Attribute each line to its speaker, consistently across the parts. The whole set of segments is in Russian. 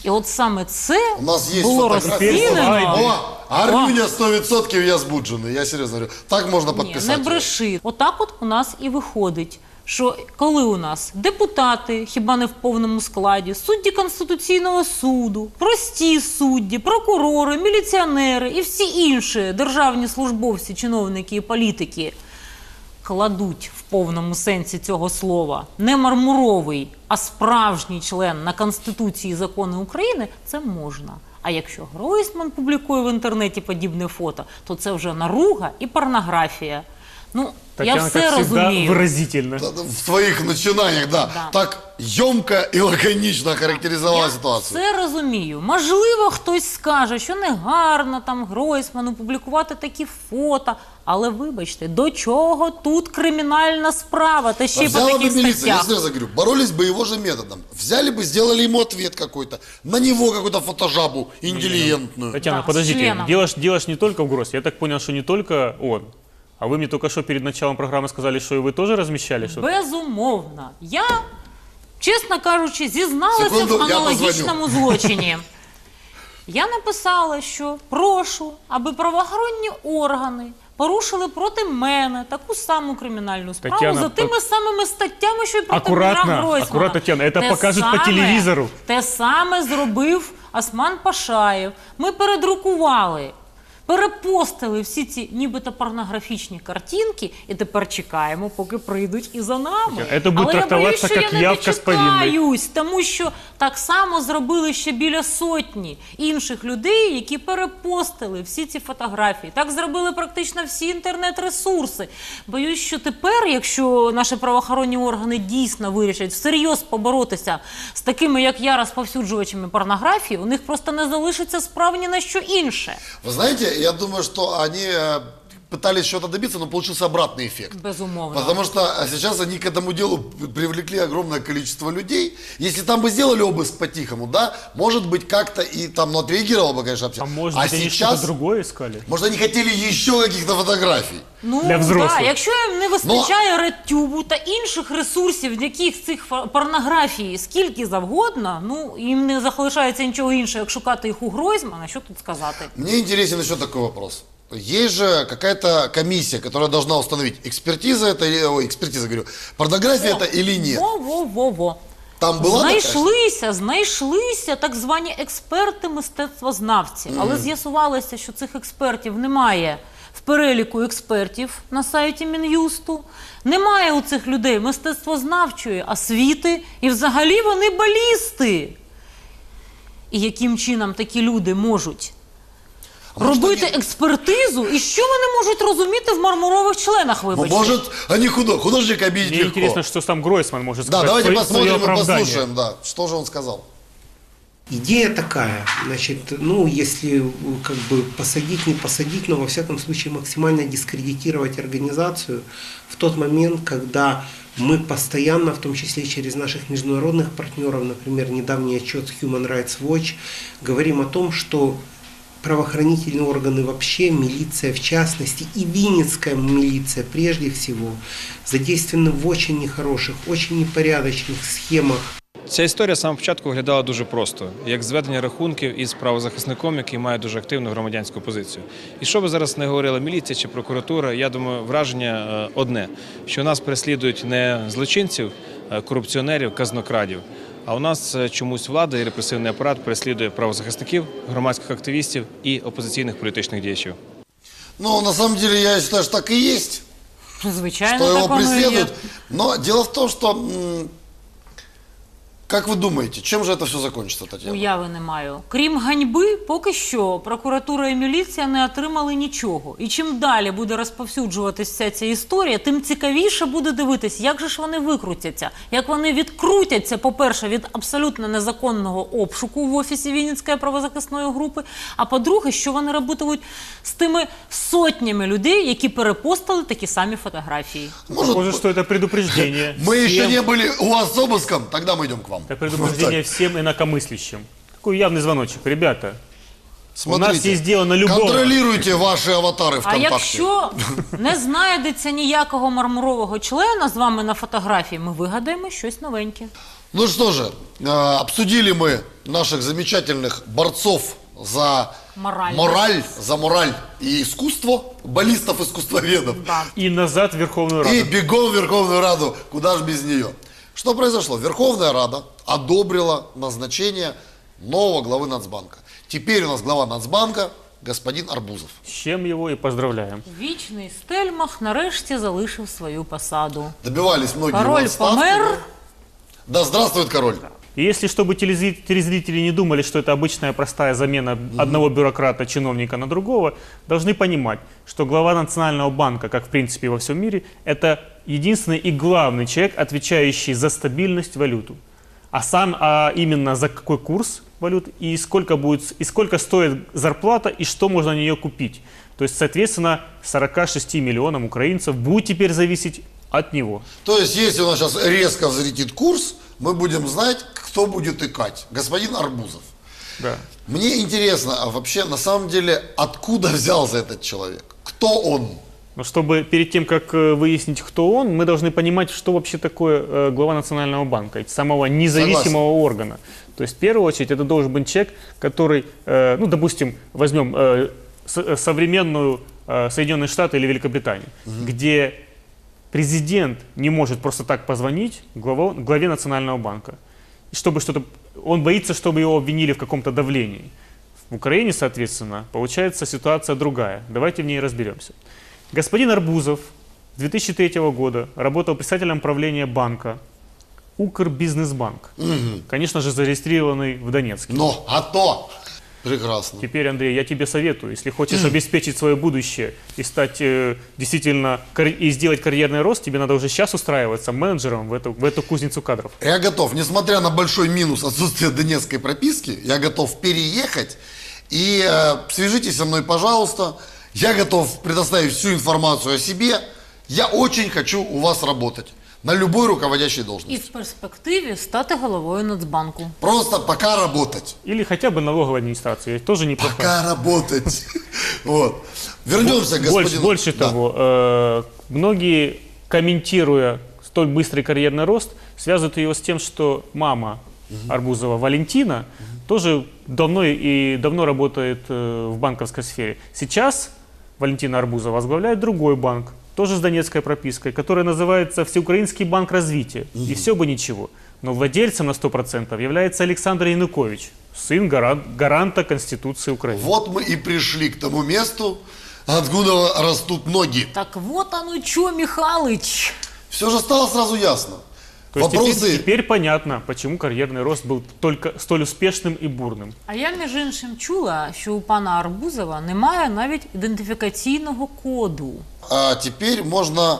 Speaker 1: І от саме це
Speaker 2: У нас є
Speaker 1: було
Speaker 2: фотографії.
Speaker 1: розцінено.
Speaker 2: О, Армюня 100% я збуджений, я серйозно говорю. Так можна
Speaker 1: Ні,
Speaker 2: підписати.
Speaker 1: не бреши. Отак от у нас і виходить, що коли у нас депутати, хіба не в повному складі, судді Конституційного суду, прості судді, прокурори, міліціонери і всі інші державні службовці, чиновники і політики кладуть в повному сенсі цього слова не мармуровий, а справжній член на Конституції і закони України, це можна. А якщо Гройсман публікує в інтернеті подібне фото, то це вже наруга і порнографія. Ну,
Speaker 3: Татьяна,
Speaker 1: я все
Speaker 3: как всегда,
Speaker 1: розумію.
Speaker 3: выразительно.
Speaker 2: В твоїх начинаниях, да, так ємко і лаконічно характеризувала ситуацію.
Speaker 1: Я все розумію. Можливо, хтось скаже, що не гарно там Гройсману публікувати такі фото. Але вибачте, до чого тут кримінальна справа? Та ще й по
Speaker 2: Взяла бы
Speaker 1: таких
Speaker 2: милиция, я
Speaker 1: статтях.
Speaker 2: серьезно говорю, боролись бы его же методом. Взяли бы, сделали ему ответ какой-то, на него какую-то фотожабу интеллигентную.
Speaker 3: Татьяна,
Speaker 1: Да, с
Speaker 3: подождите,
Speaker 1: членом.
Speaker 3: дело ж не только в Гроссе. Я так понял, что не только он. А вы мне только что перед началом программы сказали, что и вы тоже размещали что-то?
Speaker 1: Безумовно. Я, чесно кажучи, зізналася
Speaker 2: Секунду,
Speaker 1: в
Speaker 2: я
Speaker 1: аналогічному злочині. Я написала, що прошу, аби правоохоронні органи порушили проти мене таку саму кримінальну справу
Speaker 3: Татьяна,
Speaker 1: за тими самими статтями, що й проти Дмитра Гройсмана.
Speaker 3: Аккуратно, Татьяна, это
Speaker 1: Те
Speaker 3: покажут по
Speaker 1: саме-
Speaker 3: телевизору.
Speaker 1: Те саме зробив Осман Пашаєв. Ми передрукували, перепостили всі ці нібито порнографічні картинки і тепер чекаємо, поки прийдуть і за нами.
Speaker 3: Це буде
Speaker 1: Але я боюсь,
Speaker 3: трактуватися
Speaker 1: що
Speaker 3: як
Speaker 1: я не
Speaker 3: явка з повинною.
Speaker 1: дочекаюсь, тому що так само зробили ще біля сотні інших людей, які перепостили всі ці фотографії. Так зробили практично всі інтернет-ресурси. Боюсь, що тепер, якщо наші правоохоронні органи дійсно вирішать всерйоз поборотися з такими, як я, розповсюджувачами порнографії, у них просто не залишиться справ ні на що інше.
Speaker 2: Вы знаете, я думаю, что они пытались чего-то добиться, но получился обратный эффект.
Speaker 1: Безумовно.
Speaker 2: Потому что сейчас они к этому делу привлекли огромное количество людей. Если там бы сделали обыск по-тихому, да, может быть, как-то и там, ну, отреагировало бы, конечно,
Speaker 3: А может быть, они
Speaker 2: сейчас,
Speaker 3: что-то другое искали?
Speaker 2: может, они хотели еще каких-то фотографий.
Speaker 1: Ну,
Speaker 3: Для взрослих.
Speaker 1: да, якщо їм не вистачає RedTube та інших ресурсів, в яких цих порнографій скільки завгодно, ну, їм не залишається нічого іншого, як шукати їх у Гройсмана, що тут сказати?
Speaker 2: Мне интересен еще такой вопрос. Есть же какая-то комиссия, которая должна установить, экспертиза это, ой, экспертиза, говорю, порнография это или нет.
Speaker 1: Во.
Speaker 2: Там была
Speaker 1: Знайшлися так звані експерти-мистецтвознавці, але з'ясувалося, що цих експертів немає в переліку експертів на сайті Мін'юсту, немає у цих людей мистецтвознавчої освіти, і взагалі вони балісти. І яким чином такі люди можуть робити експертизу, і що вони можуть розуміти в мармурових членах,
Speaker 2: Ну,
Speaker 1: вибачте?
Speaker 2: может, они художника обидеть
Speaker 3: Мне
Speaker 2: легко.
Speaker 3: интересно, что сам Гройсман может
Speaker 2: Да,
Speaker 3: сказать.
Speaker 2: давайте
Speaker 3: свое
Speaker 2: посмотрим и
Speaker 3: оправдание.
Speaker 2: послушаем, да, что же он сказал.
Speaker 4: Идея такая, значит, ну, если как бы посадить, не посадить, но во всяком случае максимально дискредитировать организацию в тот момент, когда мы постоянно, в том числе через наших международных партнеров, например, недавний отчет Human Rights Watch, говорим о том, что правоохранительные органы вообще, милиция в частности и винницкая милиция прежде всего задействованы в очень нехороших, очень непорядочных схемах.
Speaker 5: Ця історія з самого початку виглядала дуже просто, як зведення рахунків із правозахисником, який має дуже активну громадянську позицію. І що би зараз не говорила міліція чи прокуратура, я думаю, враження одне, що нас переслідують не злочинців, корупціонерів, казнокрадів, а у нас чомусь влада і репресивний апарат переслідує правозахисників, громадських активістів і опозиційних політичних діячів.
Speaker 2: Ну, на самом деле, я считаю, что так и есть,
Speaker 1: Звичайно,
Speaker 2: что его
Speaker 1: так воно і є.
Speaker 2: преследуют. Но дело в том, что, как вы думаете, чем же это все закончится, Татьяна?
Speaker 1: Уяви не маю. Крім ганьби, поки що прокуратура і міліція не отримали нічого. І чим далі буде розповсюджуватися вся ця історія, тим цікавіше буде дивитись, як же ж вони викрутяться, як вони відкрутяться, по-перше, від абсолютно незаконного обшуку в офісі Вінницької правозахисної групи, а по-друге, що вони робитимуть з тими сотнями людей, які перепостили такі самі фотографії.
Speaker 3: Похоже, что это предупреждение.
Speaker 2: Мы еще
Speaker 3: всем.
Speaker 2: не были у вас с обыском, тогда мы идем к вам.
Speaker 3: Это предупреждение всем инакомыслящим. Такой явный звоночек. Ребята, у нас есть дело на любого.
Speaker 2: Контролируйте ваши аватары
Speaker 1: А
Speaker 2: ВКонтакте.
Speaker 1: якщо не знайдеться ніякого мармурового члена з вами на фотографії, ми вигадаємо щось новеньке.
Speaker 2: Ну что же, обсудили мы наших замечательных борцов за мораль и искусство, баллистов-искусствоведов.
Speaker 1: Да.
Speaker 3: И назад в Верховную Раду.
Speaker 2: И бегом в Верховную Раду, куда же без нее. Что произошло? Верховная Рада одобрила назначение нового главы Нацбанка. Теперь у нас глава Нацбанка господин Арбузов.
Speaker 3: С чем его и поздравляем.
Speaker 1: Вічний Стельмах нарешті залишив свою посаду.
Speaker 2: Добивались многие его
Speaker 1: Король
Speaker 2: отставки,
Speaker 1: помер.
Speaker 2: но- Да здравствует король.
Speaker 3: И если, чтобы телезрители не думали, что это обычная простая замена одного бюрократа, чиновника на другого, должны понимать, что глава Национального банка, как в принципе во всем мире, это единственный и главный человек, отвечающий за стабильность валюту. А именно за какой курс валют и сколько стоит зарплата и что можно на нее купить. То есть, соответственно, 46 миллионам украинцев будет теперь зависеть от него.
Speaker 2: То есть, если у нас сейчас резко взлетит курс, мы будем знать, кто будет икать. Господин Арбузов.
Speaker 3: Да.
Speaker 2: Мне интересно, а вообще, на самом деле, откуда взялся этот человек? Кто он?
Speaker 3: Но чтобы перед тем, как выяснить, кто он, мы должны понимать, что вообще такое глава Национального банка, самого независимого органа. То есть, в первую очередь, это должен быть человек, который, ну, допустим, возьмем современную Соединенные Штаты или Великобританию, где президент не может просто так позвонить главе Национального банка. И чтобы что-то... Он боится, чтобы его обвинили в каком-то давлении. В Украине, соответственно, получается ситуация другая. Давайте в ней разберемся. Господин Арбузов с 2003 года работал председателем правления банка Укрбизнесбанк. Конечно же, зарегистрированный в Донецке.
Speaker 2: Но, а то! Прекрасно.
Speaker 3: Теперь, Андрей, я тебе советую, если хочешь обеспечить свое будущее и стать действительно, и сделать карьерный рост, тебе надо уже сейчас устраиваться менеджером в эту кузницу кадров.
Speaker 2: Я готов, несмотря на большой минус отсутствия донецкой прописки, я готов переехать. И свяжитесь со мной, пожалуйста. Я готов предоставить всю информацию о себе. Я очень хочу у вас работать. На любой руководящей
Speaker 1: І
Speaker 2: должности.
Speaker 1: в перспективі стати головою Нацбанку.
Speaker 2: Просто пока работать.
Speaker 3: Или хотя бы налоговой администрации, тоже неплохо.
Speaker 2: Пока работать. Вот. Вернемся к господину.
Speaker 3: Больше
Speaker 2: Да.
Speaker 3: того, многие, комментируя столь быстрый карьерный рост, связывают его с тем, что мама Арбузова, Валентина, тоже давно работает в банковской сфере. Сейчас Валентина Арбузова возглавляет другой банк, тоже с донецкой пропиской, который называется Всеукраинский банк развития. И все бы ничего. Но владельцем на 100% является Александр Янукович, сын гаранта Конституции Украины.
Speaker 2: Вот мы и пришли к тому месту, откуда растут ноги.
Speaker 1: Так вот оно чё, Михалыч.
Speaker 2: Все же стало сразу ясно.
Speaker 3: То есть
Speaker 2: Вопросы...
Speaker 3: теперь понятно, почему карьерный рост был только столь успешным и бурным.
Speaker 1: А я, між іншим, чула, що у пана Арбузова немає навіть ідентифікаційного коду.
Speaker 2: А теперь можно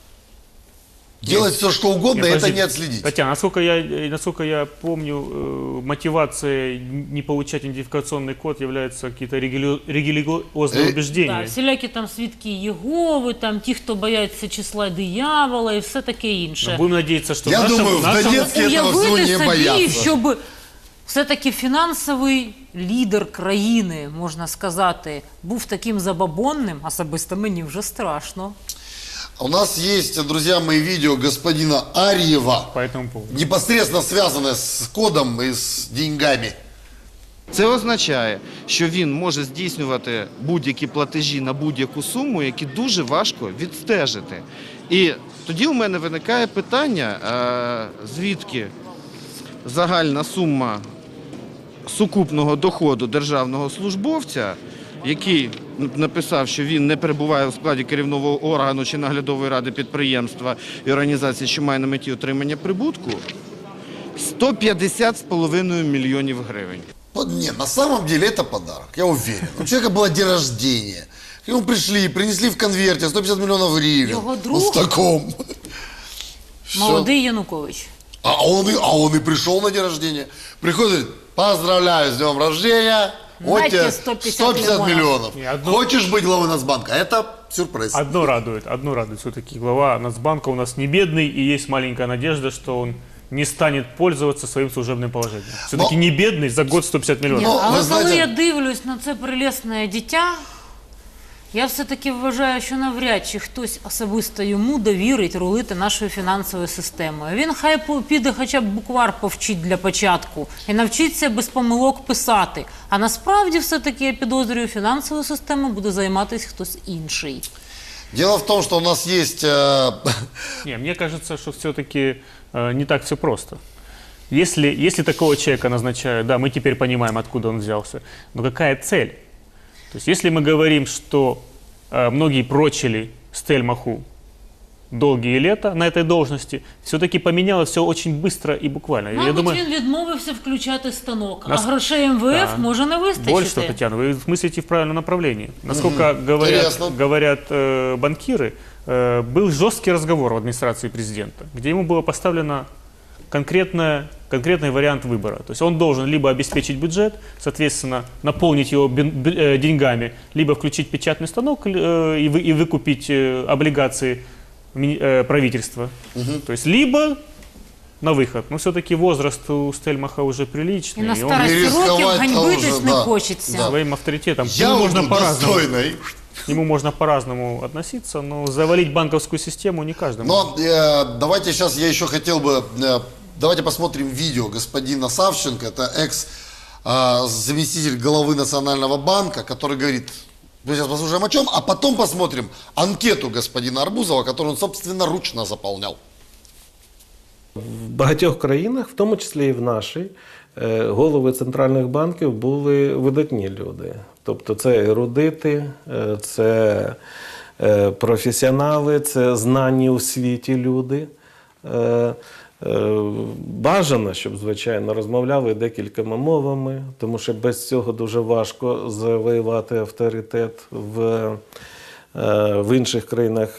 Speaker 2: делать все, что угодно, и это
Speaker 3: Подожди,
Speaker 2: не отследить.
Speaker 3: Татьяна, насколько я помню, мотивацией не получать идентификационный код являются какие-то религиозные убеждения.
Speaker 1: Так, всілякі там свідки Єгови, там ті, хто бояться числа диявола і все таке інше.
Speaker 3: Будем надеяться, что
Speaker 2: Я думаю, в Донецке этого всего
Speaker 1: Уявити
Speaker 2: не
Speaker 1: собі,
Speaker 2: боятся.
Speaker 1: щоб все-таки фінансовий лідер країни, можна сказати, був таким забабонним, особисто мені вже страшно.
Speaker 2: У нас есть, друзья мои, видео господина Арьева,
Speaker 3: по этому поводу.
Speaker 2: непосредственно связанное с кодом и с деньгами.
Speaker 6: Це означає, що він може здійснювати будь-які платежі на будь-яку суму, які дуже важко відстежити. І тоді у мене виникає питання, звідки загальна сума сукупного доходу державного службовця, який написав, що він не перебуває у складі керівного органу чи наглядової ради підприємства і організації, що має на меті отримання прибутку, 150,5 мільйонів гривень.
Speaker 2: Не, на самом деле это подарок, я уверен. У человека было день рождения. К нему пришли, принесли в конверте 150 миллионов гривен.
Speaker 1: Его друг?
Speaker 2: Вот в таком.
Speaker 1: Молодий Янукович.
Speaker 2: А он и пришел на день рождения. Приходит, говорит, поздравляю с днем рождения. Вот
Speaker 1: Нате
Speaker 2: тебе
Speaker 1: 150
Speaker 2: миллионов.
Speaker 3: И одно-
Speaker 2: Хочешь быть главой Нацбанка? Это сюрприз.
Speaker 3: Одно радует. Все-таки глава Нацбанка у нас не бедный, и есть маленькая надежда, что он не станет пользоваться своим служебным положением. Все-таки не бедный, за год 150 миллионов.
Speaker 2: Ну,
Speaker 1: Але
Speaker 2: ви
Speaker 1: коли
Speaker 2: знаєте-
Speaker 1: я дивлюсь на це прелесне дитя, Я все-таки вважаю, що навряд чи хтось особисто йому довірить рулити нашою фінансовою системою. Він хай піде хоча б буквар повчить для початку і навчиться без помилок писати. А насправді все-таки, я підозрюю, фінансовою системою буде займатися хтось інший.
Speaker 2: Дело в том, что у нас есть...
Speaker 3: Не, мне кажется, что все-таки не так все просто. Если такого человека назначают, да, мы теперь понимаем, откуда он взялся, но какая цель? То есть если мы говорим, что многие прочили Стельмаху долгие лета на этой должности, все-таки поменялось все очень быстро и буквально.
Speaker 1: Мабуть, він відмовився включати станок, а грошей МВФ може не вистачити.
Speaker 3: Больше того, Татьяна, вы мыслите в правильном направлении. Насколько говорят банкиры, был жесткий разговор в администрации президента, где ему было поставлено конкретный вариант выбора. То есть он должен либо обеспечить бюджет, соответственно, наполнить его деньгами, либо включить печатный станок и выкупить облигации правительства. То есть либо на выход. Но все-таки возраст у Стельмаха уже приличный.
Speaker 1: І на
Speaker 3: и он
Speaker 1: старості років
Speaker 2: ризикувати
Speaker 1: ганьбитись
Speaker 2: вже,
Speaker 1: не
Speaker 2: да.
Speaker 1: хочеться.
Speaker 2: Да.
Speaker 3: своим авторитетом.
Speaker 2: Я
Speaker 3: К
Speaker 2: буду достойной.
Speaker 3: К нему можно по-разному относиться, но завалить банковскую систему не каждому.
Speaker 2: Но давайте сейчас я еще хотел бы... давайте посмотрим видео господина Савченко. Это экс-заместитель главы Национального банка, который говорит... Мы сейчас послушаем о чем, а потом посмотрим анкету господина Арбузова, которую он собственноручно заполнял.
Speaker 7: В багатьох країнах, в тому числі і в нашій, голови центральних банків були видатні люди. Тобто це ерудити, це професіонали, це знані у світі люди. Бажано, щоб, звичайно, розмовляли декількома мовами, тому що без цього дуже важко завоювати авторитет в інших країнах.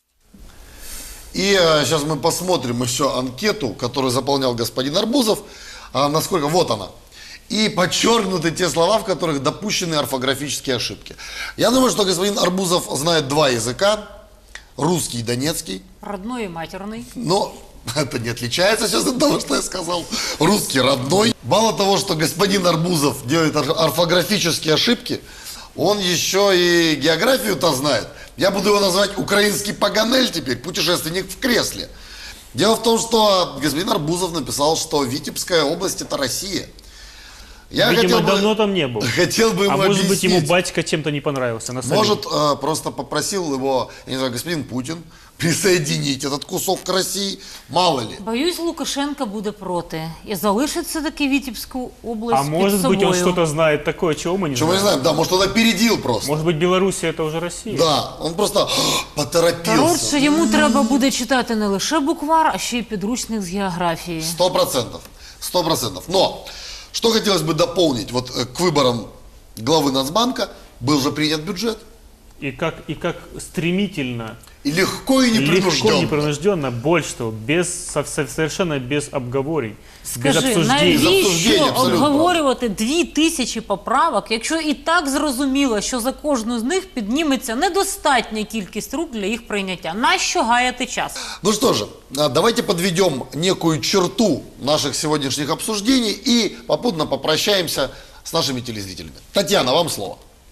Speaker 2: И сейчас мы посмотрим еще анкету, которую заполнял господин Арбузов. Насколько? Вот она. И подчеркнуты те слова, в которых допущены орфографические ошибки. Я думаю, что господин Арбузов знает два языка. Русский и донецкий.
Speaker 1: Родной і матерний.
Speaker 2: Но это не отличается сейчас от того, что я сказал. Русский родной. Мало того, что господин Арбузов делает орфографические ошибки, он еще и географию-то знает. Я буду его называть украинский Паганель теперь, путешественник в кресле. Дело в том, что господин Арбузов написал, что Витебская область – это Россия. Я
Speaker 3: Видимо, давно там не был.
Speaker 2: Хотел бы ему
Speaker 3: может быть, ему
Speaker 2: объяснить.
Speaker 3: батька чем-то не понравился. На
Speaker 2: Может, просто попросил его, я не знаю, господин Путин присоединить этот кусок к России, мало ли.
Speaker 1: Боюсь, Лукашенко буде проти. І залишить все-таки Вітебську область
Speaker 3: А
Speaker 1: під
Speaker 3: может быть,
Speaker 1: собою.
Speaker 3: он что-то знает такое, чего мы не
Speaker 2: Чего мы не
Speaker 3: знаем.
Speaker 2: знаем? Да, может, он опередил просто.
Speaker 3: Может быть, Белоруссия это уже Россия?
Speaker 2: Да, он просто поторопился.
Speaker 1: Коротше, йому треба буде читати не лише буквар, а ще й підручник з географії.
Speaker 2: 100%. 100%. Но, что хотелось бы дополнить, вот к выборам главы Нацбанка был же принят бюджет.
Speaker 3: И как стремительно,
Speaker 2: И легко и непринужденно.
Speaker 3: непринужденно, больше того, совершенно без обговорий, без
Speaker 1: Скажи,
Speaker 3: обсуждений.
Speaker 2: обсуждень,
Speaker 1: навіщо
Speaker 2: абсолютно.
Speaker 1: обговорювати 2000 поправок, якщо і так зрозуміло, що за кожну з них підніметься недостатня кількість рук для їх прийняття? Нащо гаяти час?
Speaker 2: Ну что же, давайте подведем некую черту наших сегодняшних обсуждений и попутно попрощаемся с нашими телезрителями. Татьяна, вам слово.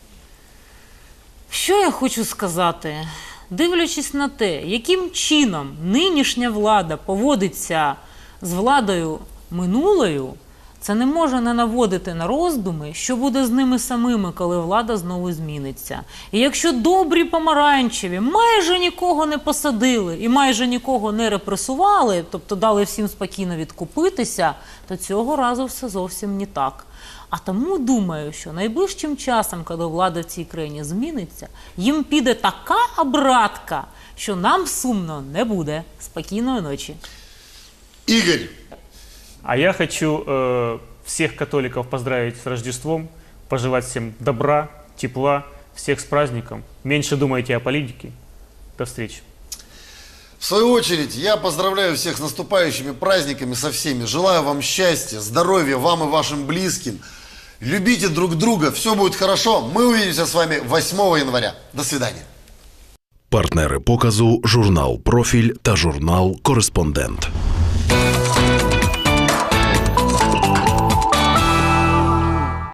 Speaker 1: Що я хочу сказати? Дивлячись на те, яким чином нинішня влада поводиться з владою минулою, це не може не наводити на роздуми, що буде з ними самими, коли влада знову зміниться. І якщо добрі помаранчеві майже нікого не посадили і майже нікого не репресували, тобто дали всім спокійно відкупитися, то цього разу все зовсім не так. А тому думаю, що найближчим часом, коли влада в цій країні зміниться, їм піде така обратка, що нам сумно не буде. Спокійної ночі.
Speaker 2: Игорь.
Speaker 3: А я хочу всех католиков поздравить с Рождеством, пожелать всем добра, тепла, всех с праздником. Меньше думайте о политике. До встречи.
Speaker 2: В свою очередь, я поздравляю всех с наступающими праздниками, со всеми. Желаю вам счастья, здоровья, вам и вашим близким. Любите друг друга, все будет хорошо. Мы увидимся с вами 8 января. До свидания.
Speaker 8: Партнери показу – журнал «Профіль» та журнал «Кореспондент».